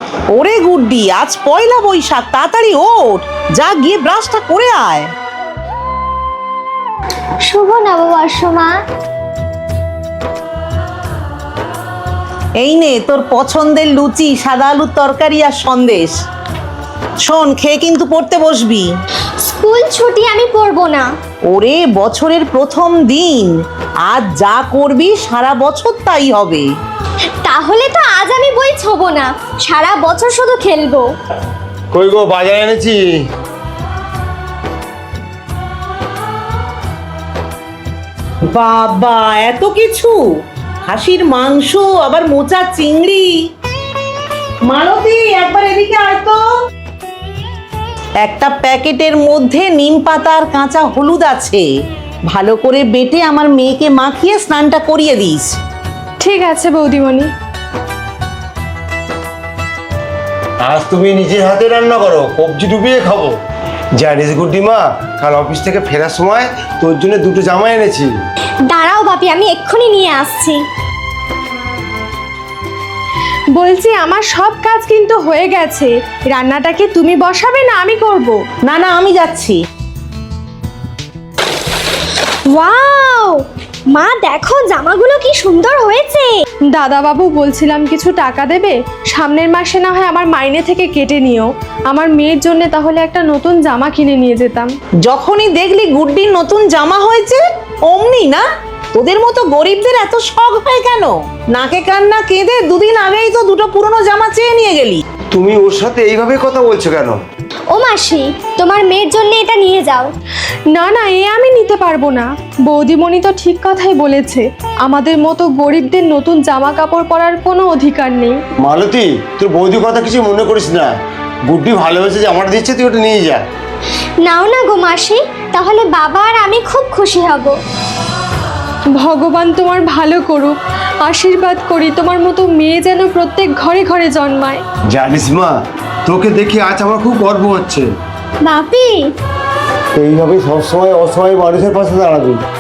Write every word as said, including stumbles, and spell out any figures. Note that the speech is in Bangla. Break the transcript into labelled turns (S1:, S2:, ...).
S1: ওরে গুড্ডি, আজ পয়লা বৈশাখ, তাড়াতাড়ি ওঠ, যা গিয়ে ব্রাশটা করে আয়।
S2: শুভ নববর্ষ মা।
S1: এই নে তোর পছন্দের লুচি, সাদা আলুর তরকারি আর সন্দেশ। শোন, খেয়ে কিন্তু পড়তে বসবি।
S2: স্কুল ছুটি, আমি পড়বো না।
S1: ওরে বছরের প্রথম দিন, আজ যা করবি সারা বছর তাই হবে।
S2: তাহলে তো আজ আমি বই ছোবো না, সারা বছর শুধু খেলবো।
S3: কই গো, বাজার এনেছি।
S1: বাবা, এত কিছু! খাসির মাংস, আবার মোচা চিংড়ি। মালতী, একবার এদিকে আয় তো। একটা প্যাকেটের মধ্যে নিম পাতা আর কাঁচা হলুদ আছে, ভালো করে বেটে আমার মেয়েকে মাখিয়ে স্নানটা করিয়ে দিস।
S4: ঠিক আছে বৌদিমণি।
S3: আজ তুমি নিজের হাতে রান্না করো, কবজি ডুবিয়ে খাবো। জানিস গুড্ডি মা, কাল অফিস থেকে ফেরার সময় তোর জন্য দুটো জামা এনেছি।
S2: দাঁড়াও বাপি, আমি এক্ষুনি নিয়ে আসছি।
S4: বলছি আমার সব কাজ কিন্তু হয়ে গেছে, রান্নাটা কি তুমি বসাবে না আমি করব?
S1: না না, আমি যাচ্ছি।
S2: ওয়াও মা, দেখো জামাগুলো কি সুন্দর হয়েছে।
S4: দাদা বাবু, বলছিলাম কিছু টাকা দেবে, সামনের মাসে না হয় আমার মাইনে থেকে কেটে নিও, আমার মেয়ের জন্য তাহলে একটা নতুন জামা কিনে নিয়ে যেতাম।
S1: যখনই দেখলি গুড্ডির নতুন জামা হয়েছে অমনি না? তোদের মতো গরিবদের এত শখ হয় কেন? নাকে কান্না কেঁদে দুদিন আগেই তো দুটো পুরনো জামা চেয়ে নিয়ে গেলি।
S3: তুমি ওর সাথে এইভাবে কথা বলছো কেন?
S2: ও মাসি, তোমার মেয়ের জন্য এটা নিয়ে যাও।
S4: না না, এ আমি নিতে পারবো না। বৌদিমণি তো ঠিক কথাই বলেছে, আমাদের মতো গরিবদের নতুন জামা কাপড় পরার কোনো অধিকার নেই।
S3: মালতী, তোর বৌদির কথা কিছু মনে করিস না। গুড্ডি ভালো হয়েছে, জামাটা দিচ্ছে, তুই ওটা নিয়ে যা।
S2: নাও না গো মাসি, তাহলে বাবা আর আমি খুব খুশি হব।
S4: ভগবান তোমার ভালো করুক, আশীর্বাদ করি তোমার মতো মেয়ে যেন প্রত্যেক ঘরে ঘরে জন্মায়।
S3: জানিস মা, তোকে দেখে আজ আমার খুব গর্ব হচ্ছে।
S2: বাপি,
S3: এইভাবে সবসময় অসহায় মানুষের পাশে দাঁড়াবি।